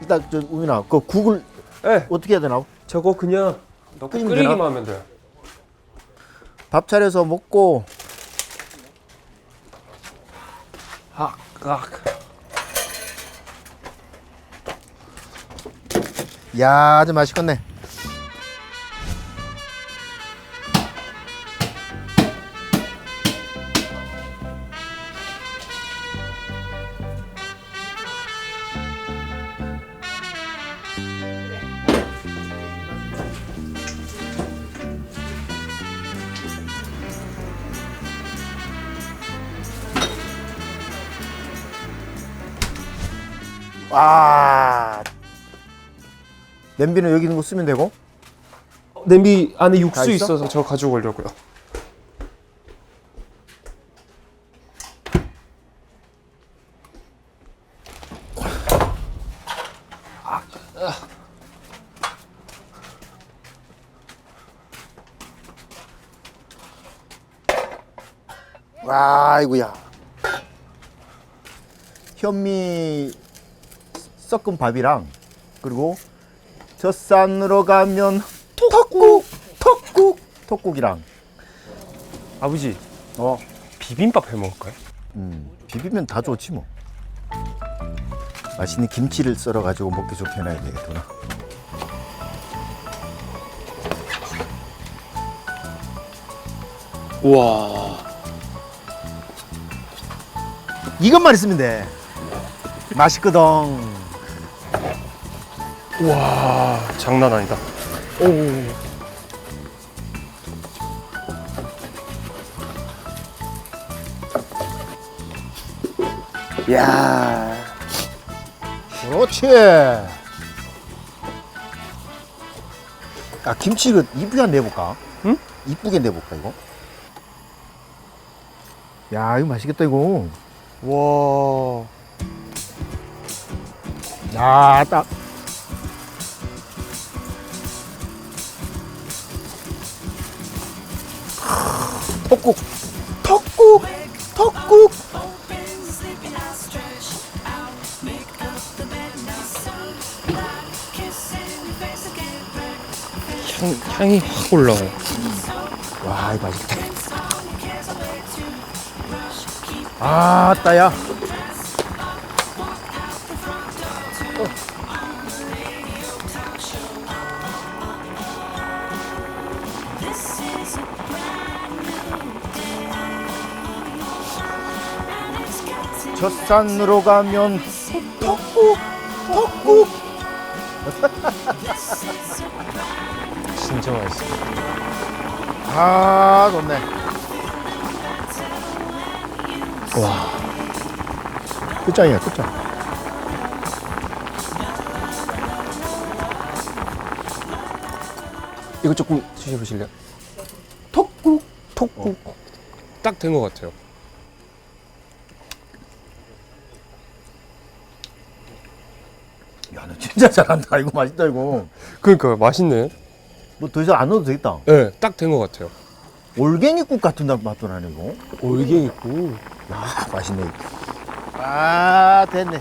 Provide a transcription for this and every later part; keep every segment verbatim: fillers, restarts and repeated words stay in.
일단 저 우민아, 그 국을 네. 어떻게 해야 되나? 저거 그냥 넣고 끓이면 끓이기만 되나? 하면 돼요. 밥 차려서 먹고. 아, 아. 야, 아주 맛있겠네. 와, 냄비는 여기 있는 거 쓰면 되고. 냄비 안에 다 육수 있어? 있어서 저 가지고 오려고요. 와, 아이고야. 현미 섞은 밥이랑 그리고 젖산으로 가면 톡국, 톡국, 톡국이랑. 아버지, 어, 비빔밥 해 먹을까요? 음, 비비면 다 좋지 뭐. 맛있는 김치를 썰어 가지고 먹기 좋게 해놔야 되겠구나. 우와. 이것만 있으면 돼. 맛있거든. 우와, 장난 아니다. 오. 야, 그렇지. 아, 김치 이거 이쁘게 내볼까? 응? 이쁘게 내볼까 이거? 야, 이거 맛있겠다 이거. 와. 야, 딱. 턱국, 턱국, 턱국. 향, 향이 확 올라와요. 와, 이거 맛있겠다. 아, 따야. 젖산으로 가면 턱국, 턱국. 진짜 맛있어. 아, 좋네. 와. 끝장이야, 끝장. 이거 조금 드셔보실래요? 턱국. 톡국. 딱 된 것 같아요. 야, 너 진짜 잘한다. 이거 맛있다, 이거. 그러니까 맛있네. 뭐 더 이상 안 넣어도 되겠다. 네, 딱 된 것 같아요. 올갱이국 같은 맛도 나네, 이거. 올갱이국. 야, 맛있네. 아, 됐네.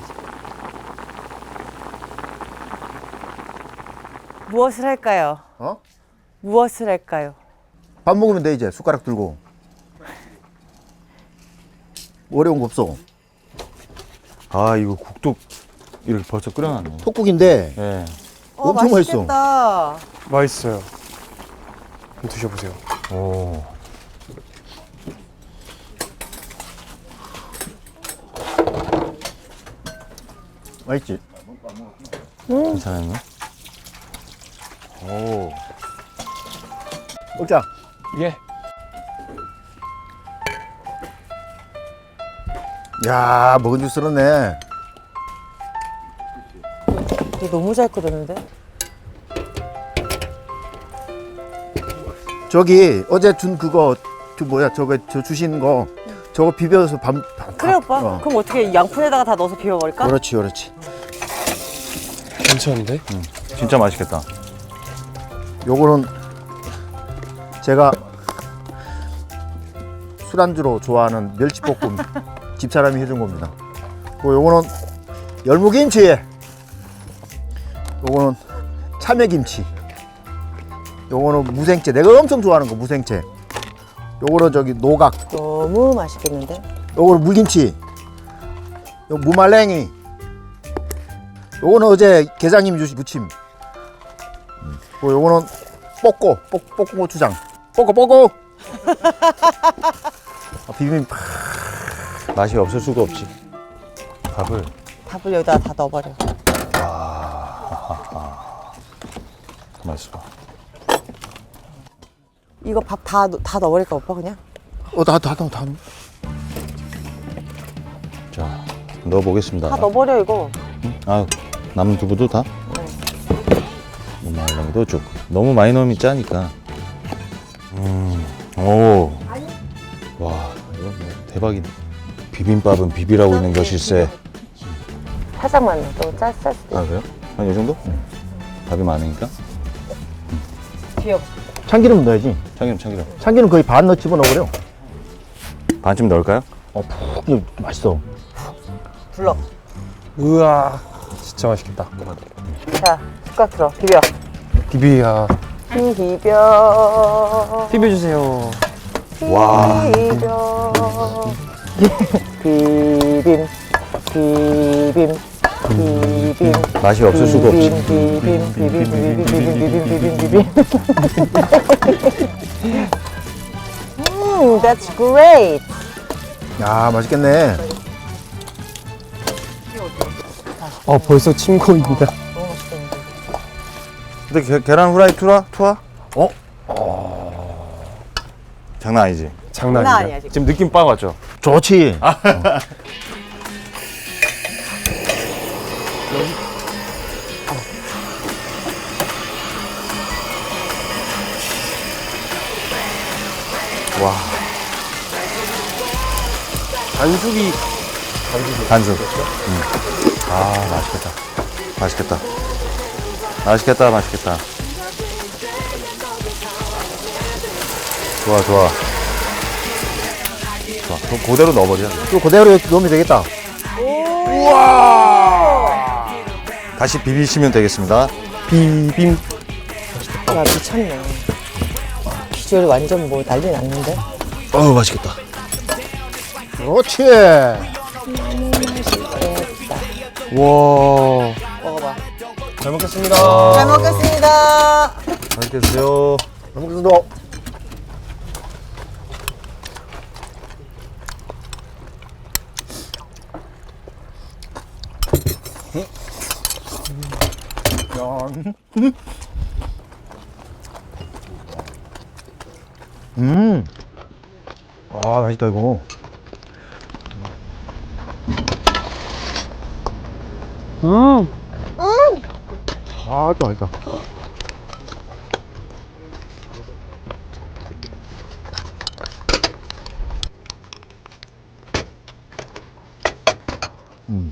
무엇을 할까요? 어? 무엇을 할까요? 밥 먹으면 돼, 이제. 숟가락 들고. 어려운 거 없어. 아 이거 국도 이렇게 벌써 끓여놨네. 톡국인데 예. 어, 엄청 맛있어. 맛있겠다. 맛있어요. 한번 드셔보세요. 오. 맛있지? 괜찮았네. 오. 먹자. 예. 야, 먹은 줄 쓸었네. 너 너무 잘 끓였는데? 저기 어제 준 그거 그 뭐야 저거 저 주신 거 저거 비벼서 밥. 밥 그래 오빠. 어. 그럼 어떻게 양푼에다가 다 넣어서 비벼버릴까? 그렇지, 그렇지. 괜찮은데? 진짜 맛있겠다. 요거는 제가 술안주로 좋아하는 멸치볶음 집사람이 해준 겁니다. 그리고 요거는 열무김치. 요거는 참외김치. 요거는 무생채. 내가 엄청 좋아하는 거 무생채. 요거는 저기 노각. 너무 맛있겠는데? 요거는 물김치. 요 무말랭이. 요거는 어제 계장님이 주신 무침. 음. 요 요거는 뽀꼬. 뽀, 뽀꼬 고추장. 뽀꼬 뽀꼬. 아, 비빔. 맛이 없을 수가 없지. 밥을. 밥을 여기다 다 넣어버려. 맛있어. 이거 밥 다 다 넣어버릴까 오빠 그냥? 어, 다, 다, 다, 다. 자, 넣어보겠습니다. 다 넣어버려 이거. 아, 남은 두부도 다? 무말랭이도 쭉. 너무 많이 넣으면 짜니까. 음, 오. 와, 이거 뭐 대박이네. 비빔밥은 비비라고 있는 것일세. 살짝만 넣어. 너무 짤, 짤 수도 아, 있어. 그래요? 한 이 정도? 밥이 많으니까. 귀여워. 참기름 넣어야지. 참기름, 참기름. 참기름 거의 반 넣어 집어넣어버려. 반쯤 넣을까요? 어, 푹, 맛있어. 불러. 우와, 진짜 맛있겠다. 자, 숟가락 들어. 비벼. 비비야. 비벼. 비벼주세요. 와. 비벼. 비빔. 비빔. 비빔. 맛이 없을 수가 없지. 비빔, 비빔, 비빔, 비빔, 비빔, 비빔, 비빔, 비빔. 음, that's great. 야, 맛있겠네. 어, 벌써 침 고입니다. 너무 맛있겠는데. 근데 게, 계란 후라이 투라? 투하? 어? 장난 아니지? 장난 장난 아니야. 아니야, 지금. 지금 느낌 빡 왔죠? 좋지. 와. 반숙이 반숙. 음. 아, 맛있겠다. 맛있겠다. 맛있겠다, 맛있겠다. 좋아, 좋아. 좋아. 그럼 그대로 넣어버려. 또 그대로 이렇게 넣으면 되겠다. 다시 비비시면 되겠습니다. 비빔. 야, 미쳤네. 비주얼이 완전 뭐 난리 났는데? 어우, 맛있겠다. 그렇지. 와, 먹어봐. 잘 먹겠습니다. 잘 먹겠습니다. 맛있게 드세요. 먹겠습니다. 음. 아, 맛있다, 이거. 음. 아, 또 맛있다. 음.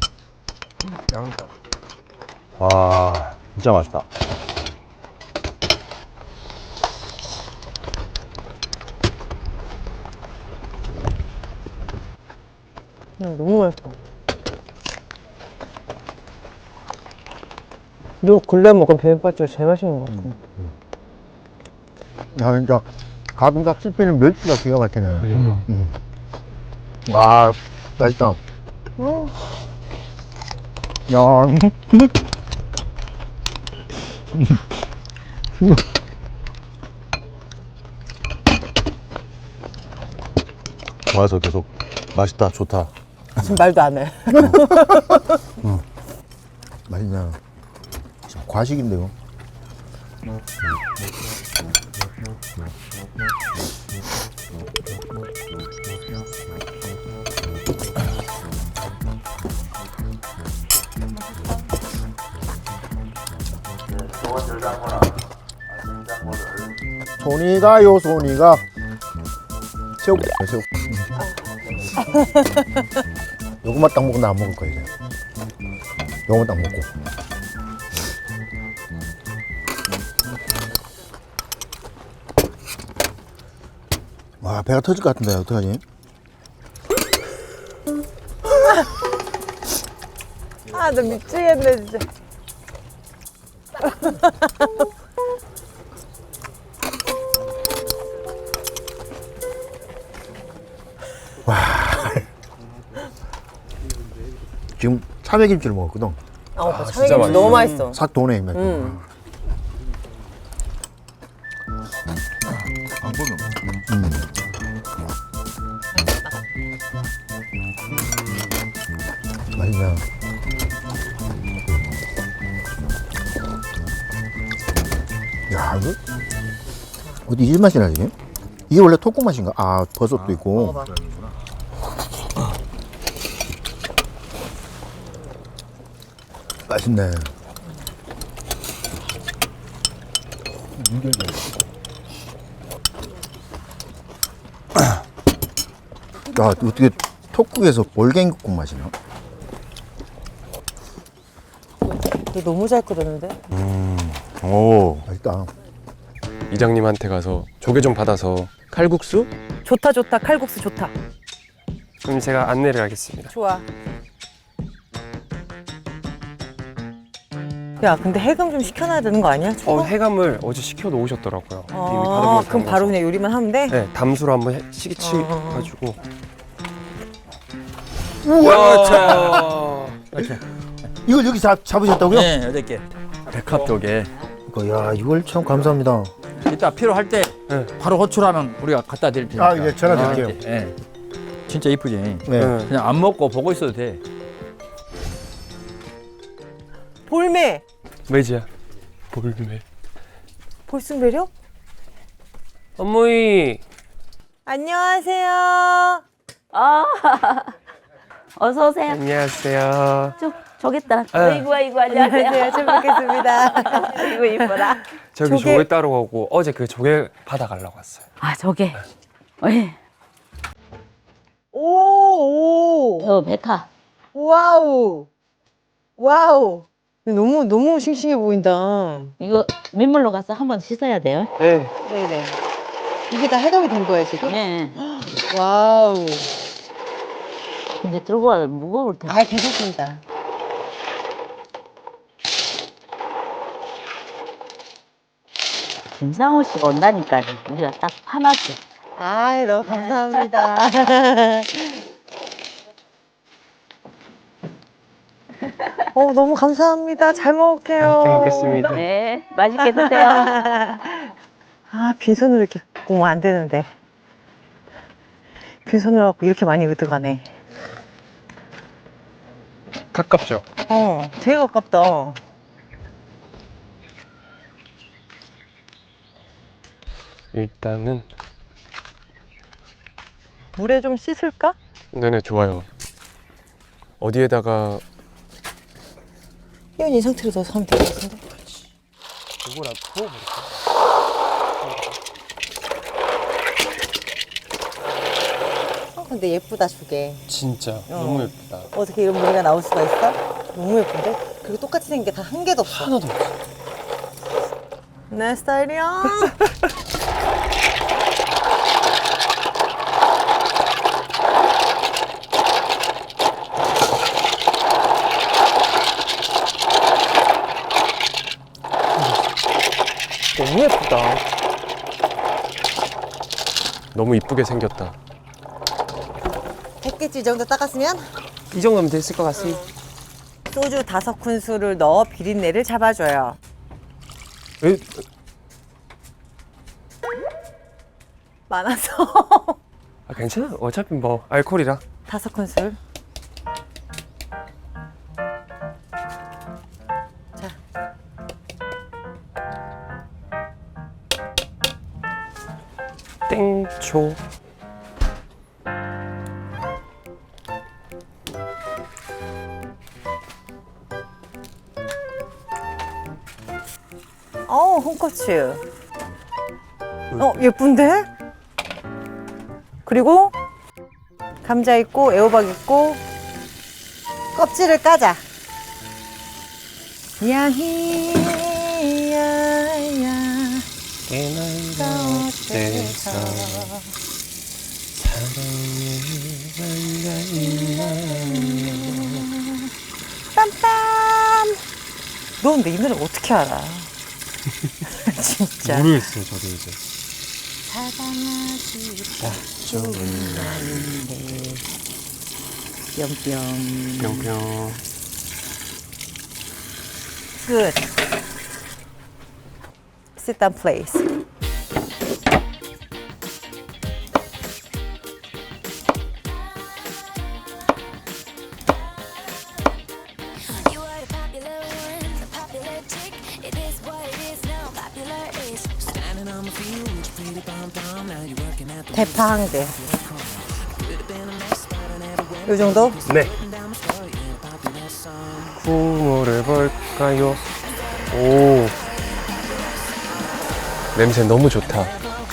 와, 진짜 맛있다. 음, 너무 맛있어. 너 근래 먹은 비빔밥 중에 제일 맛있는 것 같아. 야, 진짜 가끔가다 씹히는 멸치가 기가 막히네. 음. 와, 맛있다. 음. 야, 좋아서 계속 맛있다, 좋다. 지금 말도 안 해. 맛있냐. 진짜 과식인데, 이거. 손이가요, 손이가. 새우, 새우. 요것만 딱 먹고 나 안 먹을 거야, 이제. 요것만 딱 먹고. 와, 배가 터질 것 같은데, 어떡하지? 아, 나 미치겠네, 진짜. 지금 참외김치를 먹었거든. 아, 오빠 진짜 참외김치 너무 맛있어. 맛있어. 싹 도네. 음. 음. 맛있네. 야, 이거 어디 이 맛이 나지? 이게 원래 토국 맛인가? 아, 버섯도 있고. 먹어봐. 맛있네. 야, 어떻게 톡국에서 볼갱이국 맛이 나? 이거 너무 잘 끓였는데? 오. 맛있다. 이장님한테 가서 조개 좀 받아서 칼국수? 좋다 좋다 칼국수 좋다. 그럼 제가 안내를 하겠습니다. 좋아. 야 근데 해금 좀 시켜놔야 되는 거 아니야? 어, 저거? 해감을 어제 시켜 놓으셨더라고요. 이미 아, 받아보니까 그럼 바로 그냥 요리만 하면 돼? 네, 담수로 한번 해- 시기 어. 치가지고. 우와! 이걸 여기 잡, 잡으셨다고요? 네, 여덟 개. 백합 쪽에. 이거, 야, 이걸 참 감사합니다. 이따 필요할 때 네. 바로 호출하면 우리가 갖다 드릴 테니까. 아, 예, 전화 드릴게요. 아, 예. 진짜 이쁘지? 네. 네. 그냥 안 먹고 보고 있어도 돼. 볼매. 매지야. 볼매. 볼순배려? 어머니. 안녕하세요. 아, 어서 오세요. 안녕하세요. 저, 저기 있다. 네. 아이고, 아이고, 안녕하세요. 안녕하세요. 잘 뵙겠습니다. 아이고, 이뻐라. 저기 조개- 조개 따러 가고 어제 그 조개 받아가려고 왔어요. 아, 저게. 예. 오, 오. 저 메카. 와우. 와우. 너무 너무 싱싱해 보인다. 이거 민물로 가서 한번 씻어야 돼요. 네. 네네. 이게 다 해감이 된 거예요 지금? 네. 와우. 근데 들고 와 무거울 텐데. 아 괜찮습니다. 김상호 씨가 온다니까 우리가 딱 파놨지. 아 너무 감사합니다. 어 너무 감사합니다. 잘 먹을게요. 잘 먹겠습니다. 네, 맛있게 드세요. 아 빈손으로 이렇게 오면 안 되는데. 빈손으로 갖고 이렇게 많이 얻어가네. 가깝죠? 어 되게 가깝다. 일단은 물에 좀 씻을까? 네네 좋아요. 어디에다가 이건 이 상태로 넣어서 하면 될 것 같은데. 이거랑 부어버릴까? 어, 근데 예쁘다 조개. 진짜 너무 예쁘다. 어떻게 이런 무늬가 나올 수가 있어? 너무 예쁜데? 그리고 똑같이 생긴 게 다 한 개도 없어. 하나도 없어. 내 스타일이야. 너무 예쁘다. 너무 이쁘게 생겼다. 했겠지 이 정도 닦았으면? 이 정도면 됐을 것 같습니다. 소주 다섯 큰술을 넣어 비린내를 잡아줘요. 에? 많아서 아, 괜찮아. 어차피 뭐 알코올이라. 다섯 큰술. 자, 땡초. 어 홍고추. 어 예쁜데? 그리고 감자 있고 애호박 있고 껍질을 까자. 야히 야야 깨나는 어때서 빰빰. 너 근데 이 노래 어떻게 알아? 진짜. 모르겠어요, 저도 이제. 사랑하기 딱 좋은 날인데. 뿅뿅. 뿅뿅. Good. Sit down, please. You are the popular one, the popular chick. It is what it is now, popular is. Standing on the field with your pretty pom pom. Now you're working at the 대파 한 개. could have been a mess, but I never went 요 정도? 네. down the story in a popular song. 국물 해볼까요? 오. 냄새 너무 좋다.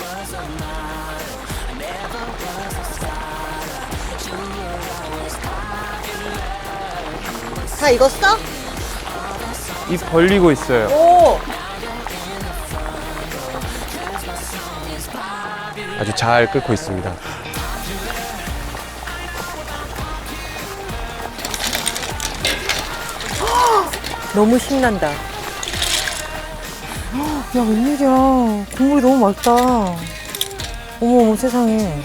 다 익었어? 입 벌리고 있어요. 오! 아주 잘 끓고 있습니다. 너무 신난다. 야, 웬일이야. 국물이 너무 맑다. 어머, 어머, 세상에.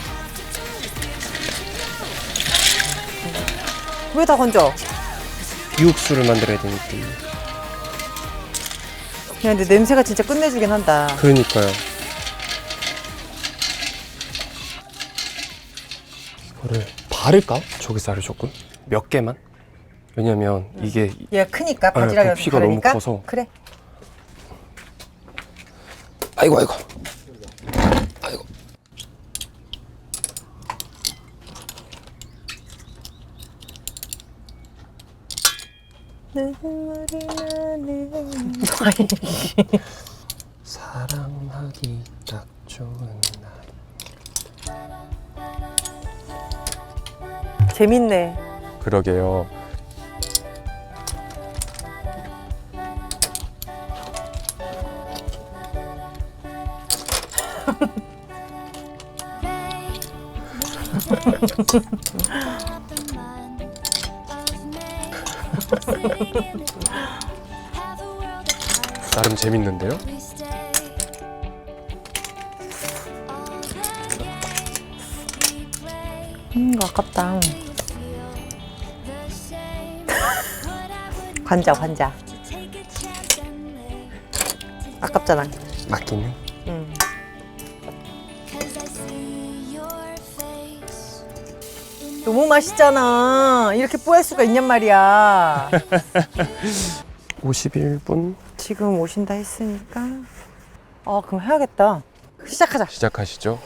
왜 다 건져? 비육수를 만들어야 되니까. 야, 근데 냄새가 진짜 끝내주긴 한다. 그러니까요. 이거를 바를까? 조개살을 조금? 몇 개만? 왜냐면 이게 얘가 크니까, 아, 바지락이 부피가 너무 다르니까? 커서. 그래. 아이고 아이고 아이고 눈물이 나는. 사랑하기 딱 좋은 날. 재밌네. 그러게요. 나름 재밌는데요? 음, 아깝다. 관자, 관자. 아깝잖아. 맞긴 해. 응. 너무 맛있잖아. 이렇게 뽀할 수가 있냔 말이야. 오십일 분 지금 오신다 했으니까. 아, 그럼 해야겠다. 시작하자. 시작하시죠.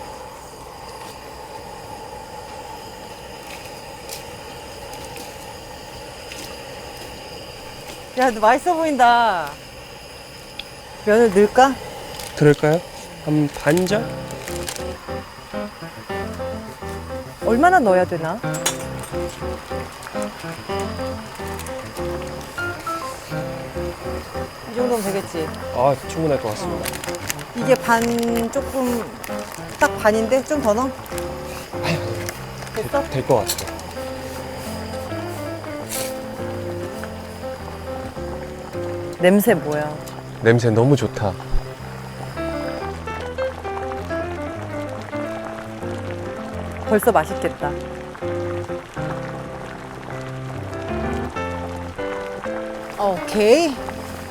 야, 너 맛있어 보인다. 면을 넣을까? 들을까요? 한 반절? 얼마나 넣어야 되나? 이 정도면 되겠지. 아, 충분할 것 같습니다. 이게 반 조금 딱 반인데 좀 더 넣어? 됐어? 될 것 같아요. 냄새 뭐야? 냄새 너무 좋다. 벌써 맛있겠다. 오케이.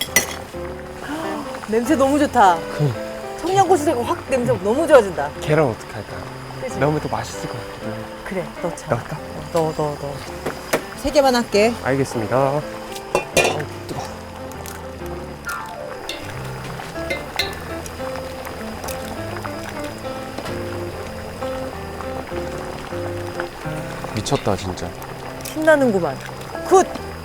냄새 너무 좋다. 청양고추가 확 냄새 너무 좋아진다. 계란 어떻게 할까요? 그치? 넣으면 더 맛있을 것 같아요. 그래, 넣자. 넣을까? 어, 넣어, 넣어, 넣어. 세 개만 할게. 알겠습니다. 미쳤다 진짜. 신나는구만. 굿!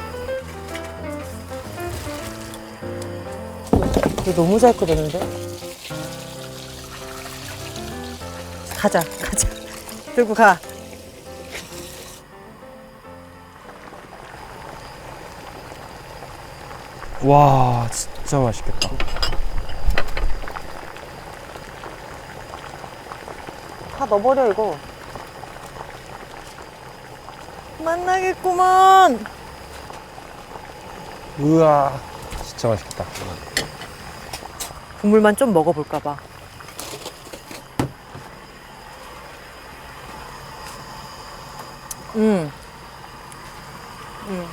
이거 너무 잘 끓였는데? 가자, 가자. 들고 가. 와 진짜 맛있겠다. 다 넣어버려, 이거. 만나겠구만. 우와 진짜 맛있겠다. 국물만 좀 먹어볼까 봐. 음. 음.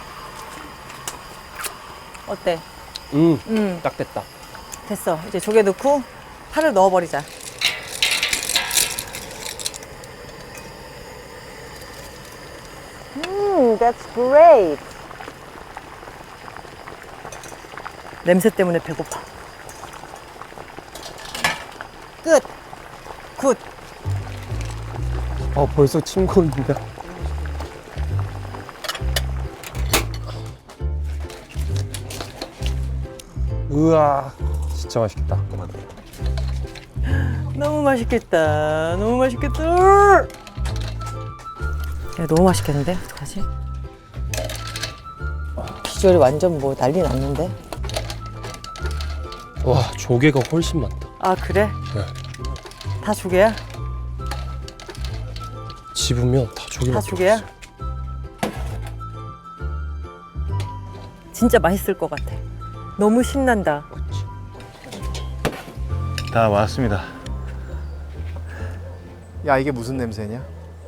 어때? 음, 음. 딱 됐다. 됐어. 이제 조개 넣고 파를 넣어버리자. 음, that's great. 냄새 때문에 배고파. 끝. 굿. 어, 벌써 침 고인다. 우와, 진짜 맛있겠다. 너무 맛있겠다. 너무 맛있겠다. 야, 너무 맛있겠는데? 어떡하지? 비주얼이 완전 뭐 난리 났는데? 와, 조개가 훨씬 많다. 아, 그래? 네. 다 조개야? 집으면 다 조개밖에 다 조개야? 없어. 진짜 맛있을 것 같아. 너무 신난다. 다 왔습니다. 야, 이게 무슨 냄새냐?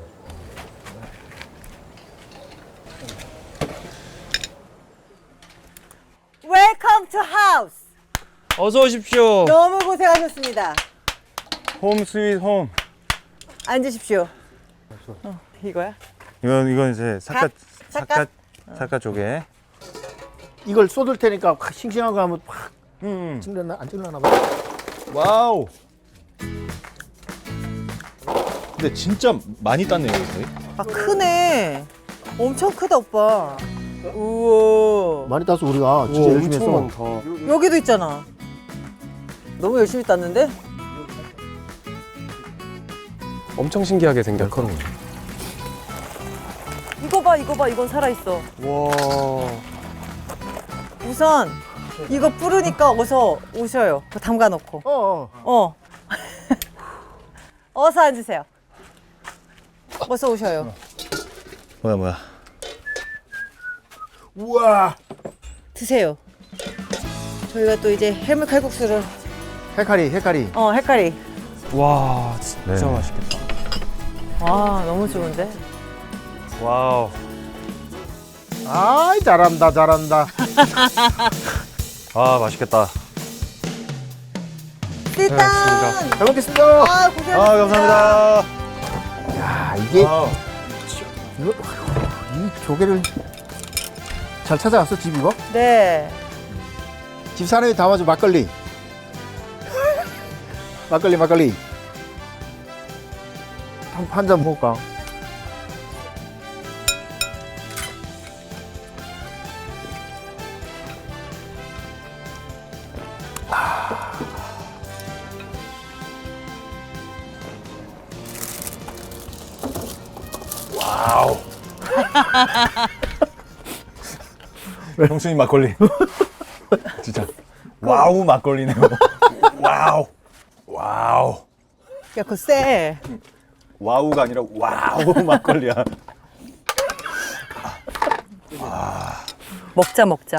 Welcome to house. 어서 오십시오. 너무 고생하셨습니다. 홈 스윗 홈. 앉으십시오. 어, 이거야? 이건 이건 이제 사카 갓, 사카 사카. 사카 조개. 이걸 쏟을 테니까 확 싱싱한 거 하면 확 음. 찔려나 안 찔려나 봐. 와우. 근데 진짜 많이 땄네요, 거의. 아, 크네. 엄청 크다, 오빠. 우와. 많이 따서 우리가 진짜 우와, 열심히 엄청 했어. 많다. 여기도 있잖아. 너무 열심히 땄는데? 엄청 신기하게 생겼거든요. 이거 봐, 이거 봐. 이건 살아있어. 와. 우선 이거 뿌르니까 어서 오셔요. 그거 담가 놓고. 어, 어. 어. 어서 앉으세요. 어서 오셔요. 뭐야 뭐야. 우와. 드세요. 저희가 또 이제 해물 칼국수를 헤카리, 헤카리. 어 헷갈리. 와, 진짜 네. 맛있겠다. 와 너무 좋은데. 와우. 아이, 잘한다, 잘한다. 아 맛있겠다. 일단 잘 먹겠습니다. 아 고생하셨습니다. 아 감사합니다. 야, 이게 와우. 이거 이 조개를 잘 찾아왔어, 집 이거? 네. 집 사람이 담아줘, 막걸리. 막걸리, 막걸리. 한 잔 먹을까? 와우. 형수님 막걸리. 진짜. 와우 막걸리네요. 와우. 와우. 야 그거 쎄. 와우가 아니라 와우 막걸리야. 먹자 먹자.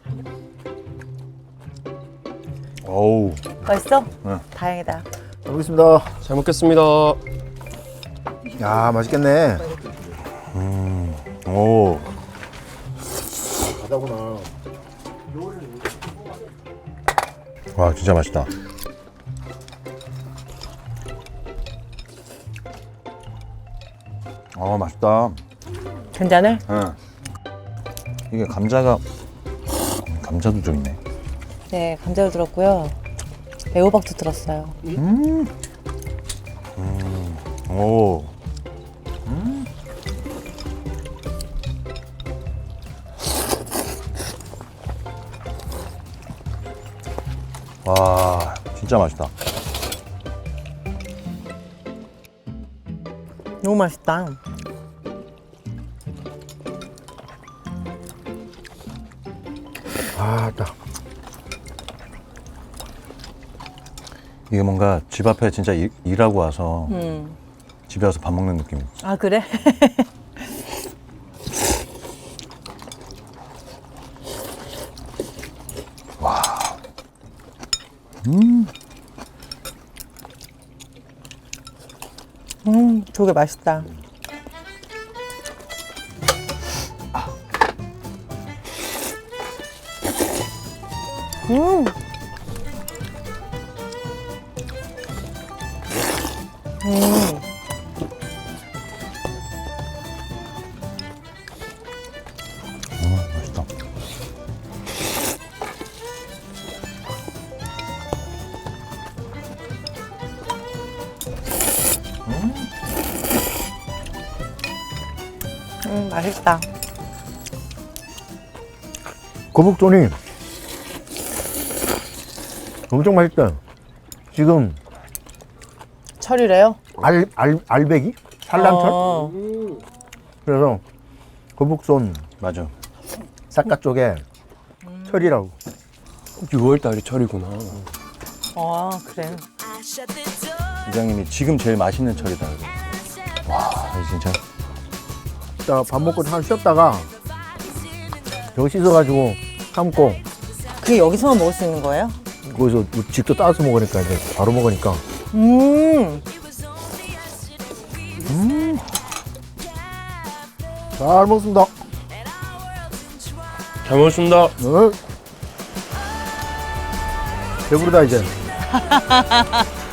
어우. 맛있어? 응. 다행이다. 잘 먹겠습니다. 잘 먹겠습니다. 야, 맛있겠네. 오. 바다구나. 와 진짜 맛있다. 아 맛있다. 괜찮을? 응. 이게 감자가 감자도 좀 있네. 네 감자도 들었고요. 애호박도 들었어요. 오. 와 진짜 맛있다. 너무 맛있다. 아, 딱. 이게 뭔가 집 앞에 진짜 일, 일하고 와서 음. 집에 와서 밥 먹는 느낌. 아 그래? 음. 조개 맛있다. 음. 음. 맛있다. 음, 맛있다. 거북존이 엄청 맛있다. 지금 철이래요? 알, 알, 알배기? 산란철? 어. 그래서 거북손 맞아. 삿갓 쪽에 철이라고. 유월 달이 철이구나. 아, 그래. I shut the door. 이장님이 지금 제일 맛있는 철이다. 그래. 와, 진짜. 이따가 밥 먹고 한 쉬었다가 저거 씻어가지고 삶고 그게 여기서만 먹을 수 있는 거예요? 거기서 직접 따서 먹으니까 이제 바로 먹으니까 음. 잘 먹습니다. 잘 먹었습니다. 어? 배부르다 이제.